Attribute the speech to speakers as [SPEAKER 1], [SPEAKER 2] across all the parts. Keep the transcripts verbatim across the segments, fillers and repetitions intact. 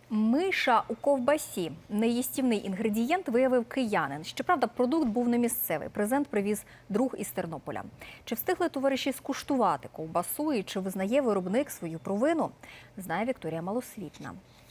[SPEAKER 1] Миша у ковбасі – неїстівний інгредієнт виявив киянин. Щоправда, продукт був не місцевий. Презент привіз друг із Тернополя. Чи встигли товариші скуштувати ковбасу і чи визнає виробник свою провину, знає Вікторія Малосвітна.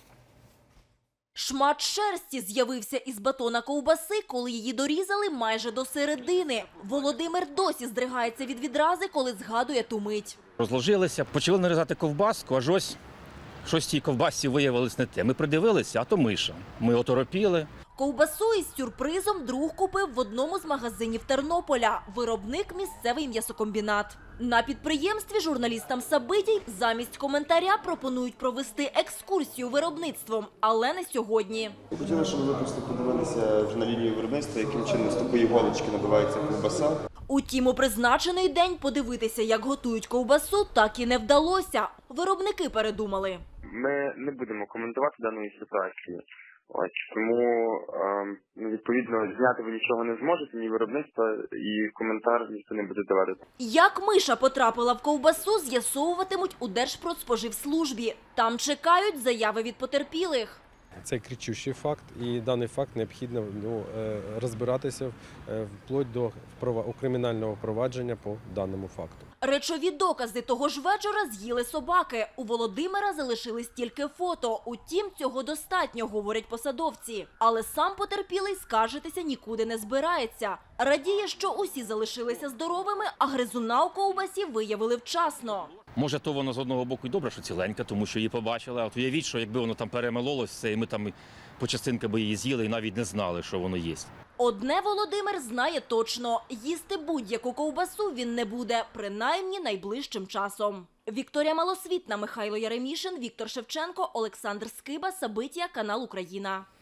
[SPEAKER 2] Шмат шерсті з'явився із батона ковбаси, коли її дорізали майже до середини. Володимир досі здригається від відрази, коли згадує ту мить.
[SPEAKER 3] Розложилися, почали нарізати ковбаску, аж ось щось в цій ковбасці виявилось не те. Ми придивилися, а то миша. Ми оторопіли.
[SPEAKER 2] Ковбасу із сюрпризом друг купив в одному з магазинів Тернополя. Виробник – місцевий м'ясокомбінат. На підприємстві журналістам Сабитій замість коментаря пропонують провести екскурсію виробництвом, але не сьогодні.
[SPEAKER 4] Хотіли, щоб ви просто подивилися вже на лінію виробництва, яким чином з такої голочки набивається ковбаса.
[SPEAKER 2] Утім, у призначений день подивитися, як готують ковбасу, так і не вдалося. Виробники передумали.
[SPEAKER 5] Ми не будемо коментувати даної ситуації. Ось тому е, відповідно зняти ви нічого не зможете, ні виробництва, і коментар ніхто не буде давати.
[SPEAKER 2] Як миша потрапила в ковбасу, з'ясовуватимуть у Держпродспоживслужбі. Там чекають заяви від потерпілих.
[SPEAKER 6] Це кричущий факт, і даний факт необхідно ну, розбиратися вплоть до кримінального провадження по даному факту.
[SPEAKER 2] Речові докази того ж вечора з'їли собаки. У Володимира залишились тільки фото. Утім, цього достатньо, говорять посадовці. Але сам потерпілий скаржитися нікуди не збирається. Радіє, що усі залишилися здоровими, а гризуна у ковбасі виявили вчасно.
[SPEAKER 3] Може, то воно з одного боку й добре, що ціленька, тому що її побачили. А от уявіть, що якби воно там перемелолося, і ми там по частинкам би її з'їли і навіть не знали, що воно є.
[SPEAKER 2] Одне Володимир знає точно – їсти будь-яку ковбасу він не буде, принаймні найближчим часом. Вікторія Малосвітна, Михайло Яремішин, Віктор Шевченко, Олександр Скиба, Сабитія, канал Україна.